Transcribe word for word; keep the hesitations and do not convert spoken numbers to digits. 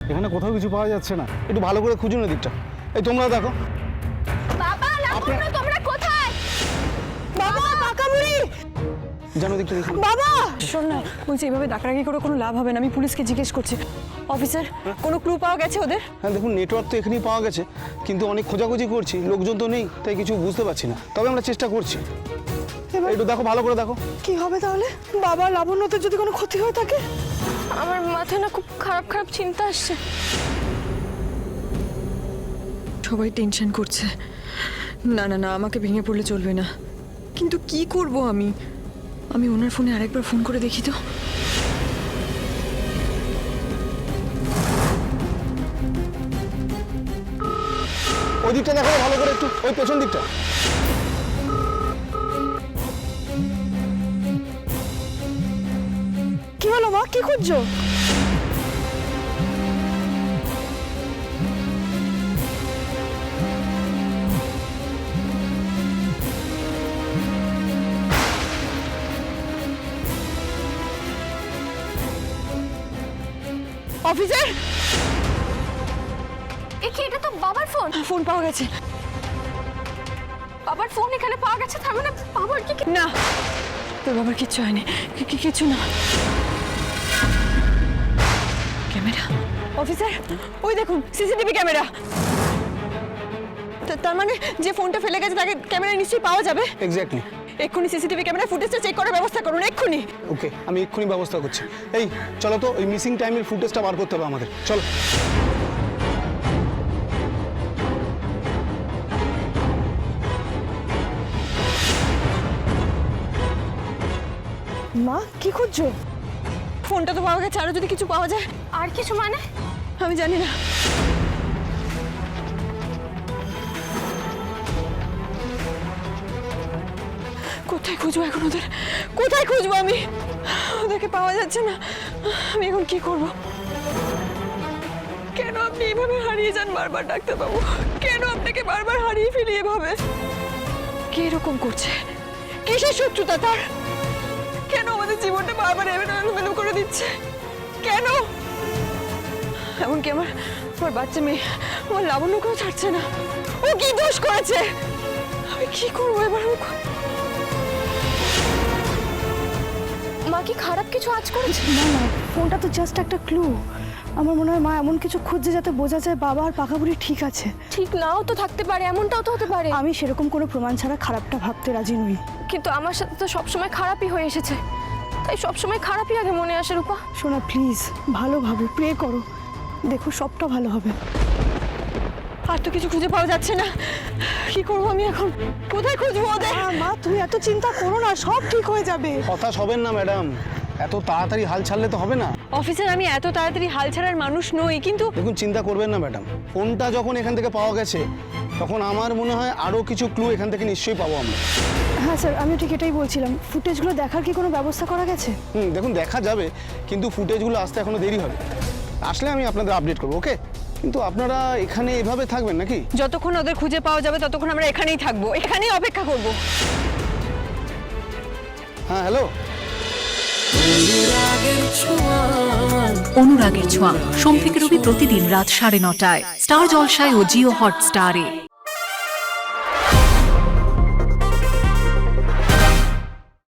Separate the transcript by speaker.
Speaker 1: এখানে কোথাও কিছু পাওয়া যাচ্ছে না, একটু ভালো করে খুঁজুন দিকটা। এই তোমরা দেখো।
Speaker 2: বাবা লাবণ্য তোমরা কোথায়?
Speaker 3: বাবা পাকাবুড়ি
Speaker 1: জানো দিকটা দেখুন।
Speaker 3: বাবা শোন না, বলছি এইভাবে ডাকাডাকি করে কোনো লাভ হবে না, আমি পুলিশকে জিজ্ঞেস করছি। অফিসার কোনো ক্লু পাওয়া গেছে ওদের?
Speaker 1: হ্যাঁ দেখুন, নেটওয়ার্ক তো এখানেই পাওয়া গেছে, কিন্তু অনেক খোঁজাখুঁজি করছি, লোকজন তো নেই, তাই কিছু বুঝতে পারছি না। তবে আমরা চেষ্টা করছি।
Speaker 3: এবার
Speaker 1: একটু দেখো, ভালো করে দেখো।
Speaker 3: কি হবে তাহলে? বাবা লাবণ্যদের যদি কোনো ক্ষতি হয়ে থাকে?
Speaker 2: আমার মাথায় না খুব খারাপ খারাপ চিন্তা আসছে।
Speaker 3: সবাই টেনশন করছে। না না না, আমাকে ভেঙে পড়লে চলবে না। কিন্তু কি করব আমি? আমি ওনার ফোনে আরেকবার ফোন করে দেখি তো।
Speaker 1: ওই দিকটা দেখো ভালো করে, একটু ওই পেছন দিকটা।
Speaker 3: কি হলো মা, কি খুঁজছো? অফিসার,
Speaker 2: এ কি, এটা তো বাবার ফোন।
Speaker 3: ফোন পাওয়া গেছে।
Speaker 2: বাবার ফোন এখানে পাওয়া গেছে, তার মানে বাবার কি?
Speaker 3: না, তোর বাবার কিচ্ছু হয়নি, কি- কি- কিচ্ছু না। ক্যামেরা অফিসার, ওই দেখুন সিসিটিভি ক্যামেরা। তা- তার মানে যে ফোনটা ফেলে গেছে তাকে ক্যামেরা নিশ্চয়ই পাওয়া যাবে।
Speaker 1: এক্স্যাক্টলি।
Speaker 3: এক্ষুনি সিসিটিভি ক্যামেরা ফুটেজটা চেক করার ব্যবস্থা করুন, এক্ষুনি।
Speaker 1: ওকে, আমি এক্ষুনি ব্যবস্থা করছি। এই চলো তো, ওই মিসিং টাইমের ফুটেজটা বার করতে হবে আমাদের, চলো।
Speaker 3: মা কি খুঁজছো? ফোনটা তো পাওয়া গেছে, আরো যদি কিছু পাওয়া যায়।
Speaker 2: আর কিছু মানে?
Speaker 3: আমি জানি না। কোথায় খুঁজবো এখন ওদের? কোথায় খুঁজবো আমি? ওদেরকে পাওয়া যাচ্ছে না। আমি এখন কি করব? কেন আপনি এভাবে হারিয়ে যান বারবার ডাক্তারবাবু? কেন আপনাকে বারবার হারিয়ে ফেলি এভাবে? কে এরকম করছে? কিসের শত্রুতা তার? কেন আমাদের জীবনটা বারবার এলোমেলো করে দিচ্ছে? কেন? এমনকি আমার আমার বাচ্চা মেয়ে, আমার লাবণ্যকেও ছাড়ছে না। ও কি দোষ করেছে? আমি কি করবো এবার?
Speaker 2: মা কি খারাপ কিছু আজ করেছে?
Speaker 4: না না, ফোনটা তো জাস্ট একটা ক্লু। আমার মনে হয় মা এমন কিছু খুঁজছে যাতে বোঝা যায় বাবা আর পাখাবুড়ি ঠিক আছে।
Speaker 2: ঠিক নাও তো থাকতে পারে, এমনটাও তো হতে পারে।
Speaker 4: আমি সেরকম কোনো প্রমাণ ছাড়া খারাপটা ভাবতে রাজি নই।
Speaker 2: কিন্তু আমার সাথে তো সবসময় খারাপই হয়ে এসেছে, তাই সবসময় খারাপই আগে মনে আসে। রূপা
Speaker 4: শোনা প্লিজ, ভালো ভাবো, প্রে করো, দেখো সবটা ভালো হবে।
Speaker 3: আর তো কিছু খুঁজে পাওয়া যাচ্ছে না। কি করবো আমি এখন? কোথায় খুঁজবো ওদের?
Speaker 4: মা মা তুমি এত চিন্তা করো না, সব ঠিক হয়ে যাবে।
Speaker 1: হতাশ হবেন না ম্যাডাম, এত তাড়াতাড়ি হাল ছাড়লে তো হবে না।
Speaker 3: অফিসার, আমি এত তাড়াতাড়ি হাল ছাড়ার মানুষ নই, কিন্তু
Speaker 1: দেখুন, চিন্তা করবেন না ম্যাডাম, ফোনটা যখন এখান থেকে পাওয়া গেছে তখন আমার মনে হয় আরও কিছু ক্লু এখান থেকে নিশ্চয়ই পাবো আমরা।
Speaker 4: হ্যাঁ স্যার, আমি ঠিক এটাই বলছিলাম। ফুটেজগুলো দেখার কি কোনো ব্যবস্থা করা গেছে?
Speaker 1: হুম, দেখুন দেখা যাবে, কিন্তু ফুটেজগুলো আসতে এখনো দেরি হবে। আসলে আমি আপনাদের আপডেট করবো, ওকে? কিন্তু আপনারা এখানে এভাবে থাকবেন নাকি?
Speaker 3: যতক্ষণ ওদের খুঁজে পাওয়া যাবে ততক্ষণ আমরা এখানেই থাকবো, এখানেই অপেক্ষা করব।
Speaker 1: হ্যাঁ হ্যালো।
Speaker 5: অনুরাগের ছোঁয়া সোম থেকে রবি প্রতিদিন রাত সাড়ে নটায় স্টার জলসায় ও জিও হটস্টারে।